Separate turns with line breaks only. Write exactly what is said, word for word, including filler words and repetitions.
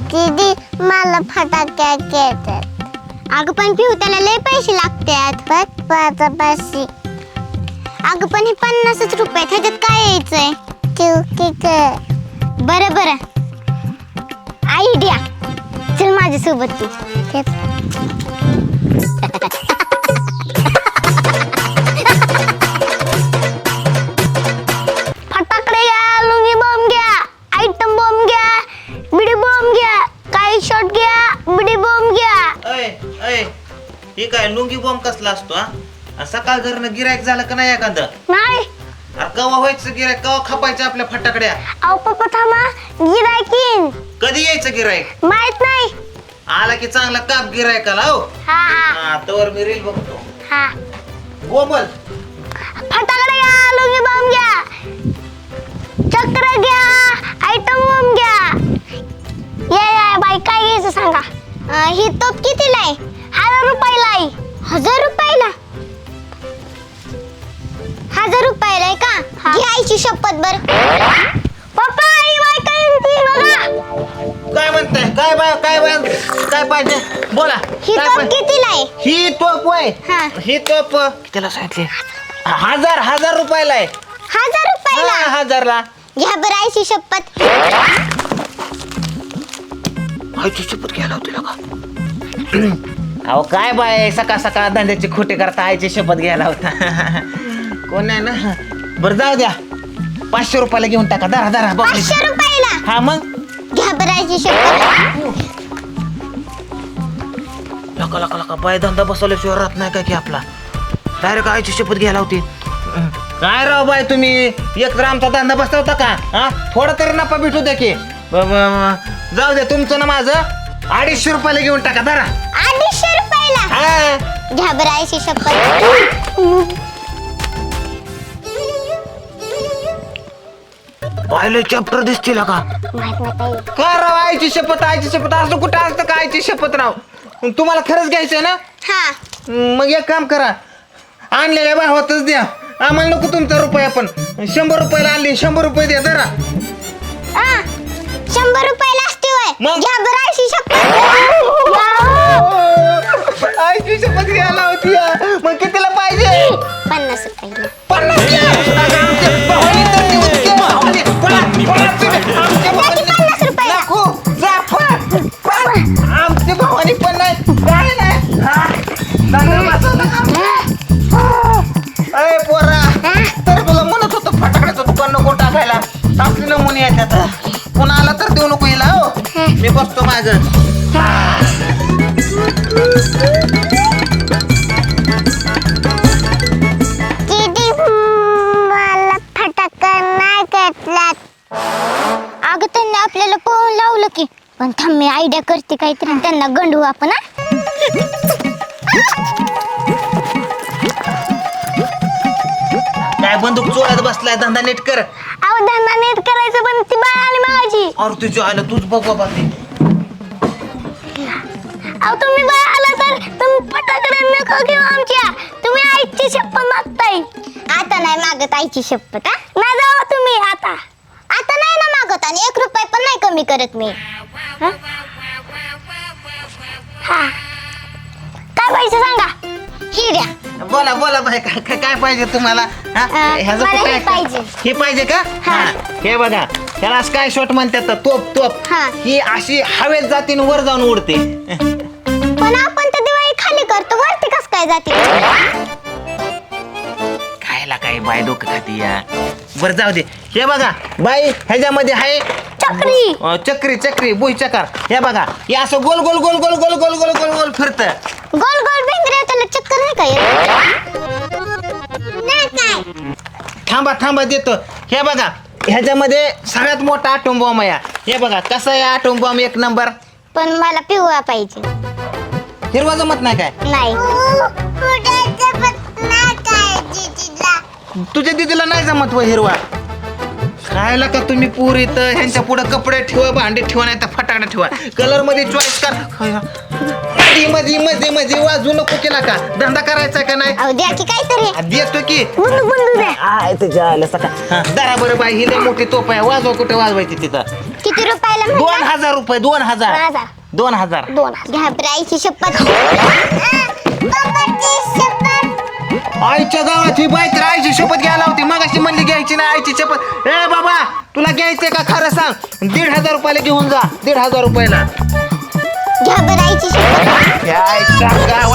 दीदी मला फटाके घेतात. अगं पण पिऊ त्याला लय पैसे लागतात. पाच पैसे. अगं पण हे पन्नासच रुपये ह्याच्यात काय यायचंय? बरं बरं आयडिया. चल माझ्यासोबत तू. फटाकडे घ्या, लुंगी बॉम्ब घ्या, आयटम बॉम्ब घ्या, बिडी बॉम्ब घ्या, काही शॉट घ्या, बिडी बॉम्ब घ्या.
अय अय हे काय लुंगी बॉम्ब कसला असतो हा? सकाळ घरनं गिरायक झालं का नाही एखादं?
नाही.
अरे कवा व्हायचं गिरायक, कवा खपायचं आपल्या फटाकड्या?
अहो पप्पा थांबा, गिरायकीन
कधी यायचं गिरायक?
माहित नाही.
आला की चांगला काप गिरायकाला. हो
हा हा
हा तवर मी रील बघतो.
हा.
गोमल
फटाकडे घ्या, लुंगी बॉम्ब घ्या, चक्र घ्या, आयटम बॉम्ब घ्या. या या बाई काय घ्यायचं सांगा. अं, ही तोप कितीला आहे? हजार रुपयाला आहे. हजार रुपयाला? हजार रुपयाला आहे का? घ्यायची शपथ. बर पप्पा ही बाई काय म्हणते बघा.
काय म्हणताय? काय बाय काय बाय काय पाहिजे बोला.
ही
काय
तोप
पाहिजे?
कितीला आहे?
ही तोप होय.
हा.
ही तोप कितीला सांगितली? हजार हजार रुपयाला आहे.
हजार रुपयाला?
हा, हजारला.
घ्या बरं आईची शपथ.
आईची शपथ घ्यायला होती का? अहो काय बाय सकाळ सकाळ धंद्याची खोटे करता आईची शपथ घ्यायला होता. कोण नाही ना. बरं जाऊ द्या, पाचशे रुपयाला घेऊन टाका. दरा दरा
पाचशे रुपयाला?
हा मग
घ्या बरं आईची शपथ.
लका लका लका बाय धंदा बसवल्याशिवाय राहत नाही का की आपला. डायरेक्ट आईची शपथ घ्यायला होती. काय राव बाय तुम्ही एक तर आमचा धंदा बसवता का? हा थोडा तरी नफा भेटू द्या की. ब- ब- जाऊ द्या तुमचं ना माझं अडीचशे रुपयाला घेऊन टाका. धरा.
अडीचशे रुपयाला?
हा
घ्या बरं आईची शपथ.
पाहिलं चॅप्टर दिसतील का?
माहित नाही ताई.
का राव आईची शपथ आईची शपथ असं कुठं असतं का आईची शपथ राव? तुम्हाला खरंच घ्यायचंय ना?
हा.
मग एक काम करा, आणलेल्या भावातच द्या. आम्हाला नको तुमचा रुपया. पण शंभर रुपयाला आणली, शंभर रुपये द्या जरा.
आ, शंभर रुपयाला असते होय?
मग?
घ्या बरं आईची शपथ.
आईची शपथ घ्यायला होती. मग कितीला पाहिजे?
पन्नास रुपयाला.
पन्नास द्या. अगं, आमच्या भावाने तर देऊन घे. भावाने. पळा, पळा तुम्ही. आमच्या
द्या की पन्नास रुपयाला.
नको, जा, पळा, पळा. आमच्या भावाने पण नाही काय नाही. हा, दादा वाचवलं का? अरे पोरा, तर तुला म्हणत होतो फटाकड्याचं दुकान नको टाकायला. आपली नमुने येतात. पुन्हा आला तर देऊ नको हिला. हो मी बसतो माझं.
दीदी मला फटाका नाही घेतलात. अगं त्यांनी आपल्याला पळून लावलं की. पण थांब मी आयडिया करते काहीतरी आणि त्यांना गंडवू आपण.
काय बंदूक चोळ्यात बसलाय? धंदा नीट कर.
अहो धंदा नीट करायचं पण ती बाळ आली माझी.
अरे तुझ्या आलं तूच बघ बाबा ते.
अहो तुम्ही बाळ आला तर तुम्ही फटाकडे नको घेऊ आमच्या. तुम्ही आईची शपथ मागताय. आता नाही मागत आईची शपथ. हा नाही जाऊ तुम्ही आता. आता नाही ना मागत आणि एक रुपये पण नाही कमी करत मी. हा? हा. काय पाहिजे सांगा. ही द्या.
बोला बोला बाय काय काय- काय पाहिजे तुम्हाला? हा?
अं,
ह्याचं
मला
काय-
हे पाहिजे.
हे पाहिजे का?
हा.
हा. हे बघा त्याला काय शॉट म्हणतात तोप तोप.
हा.
ही अशी हवेत जाते आणि वर जाऊन उडते.
पण आपण तर दिवाळी खाली करतो वरती कस काय जाते?
खायला काय बाय डोकं खाती या. बरं जाऊ दे. हे बघा बाई ह्याच्यामध्ये आहे
चक्री.
अं, चक्री चक्री बुई चकार. हे बघा हे असं गोल गोल गोल गोल गोल गोल गोल गोल गोल फिरत.
गोल गोल भिंगऱ्या त्याला चक्कर नाही काय? नाही काय.
थांबा थांबा देतो. हे बघा ह्याच्यामध्ये सगळ्यात मोठा आटोम बॉम्ब आहे. हे बघा कसा आहे आटोम बॉम्ब एक नंबर.
पण मला पिवळा पाहिजे.
हिरवा जमत नाही काय?
नाही.
तुझ्या दिदीला नाही जमत व हिरवा. खायला का तुम्ही पुरी तर ह्यांच्या पुढे कपडे ठेवा, भांडी ठेवा, नाही तर फटाकडे ठेवा. कलर मध्ये चॉईस कर. मध्ये मध्ये मध्ये मध्ये वाजू नको केला का? धंदा करायचा का नाही?
अहो द्या की काहीतरी.
आ, देतो की.
बंदू बंदू द्या.
आय तुझ्या आलं सका. दरा बरं बाई ही लय मोठी तोप आहे. वाजवा कुठे वाजवायची तिथं.
किती रुपयाला
दोन
म्हणला?
हजार रुपये दोन
दोन
हजार
हजार
दोन हजार
दोन हजार. घ्या बरं आईची शपथ. बाबाची शपथ.
आईच्या गावात ही बाई तर आईची शपथ घ्यायला होती मग अशी म्हणली घ्यायची ना आईची शपथ. ए बाबा तुला घ्यायचंय का खरं सांग दीड हजार रुपयाला घेऊन जा दीड हजार रुपयाला
घ्या बरं आईची शपथ.
काय सांगा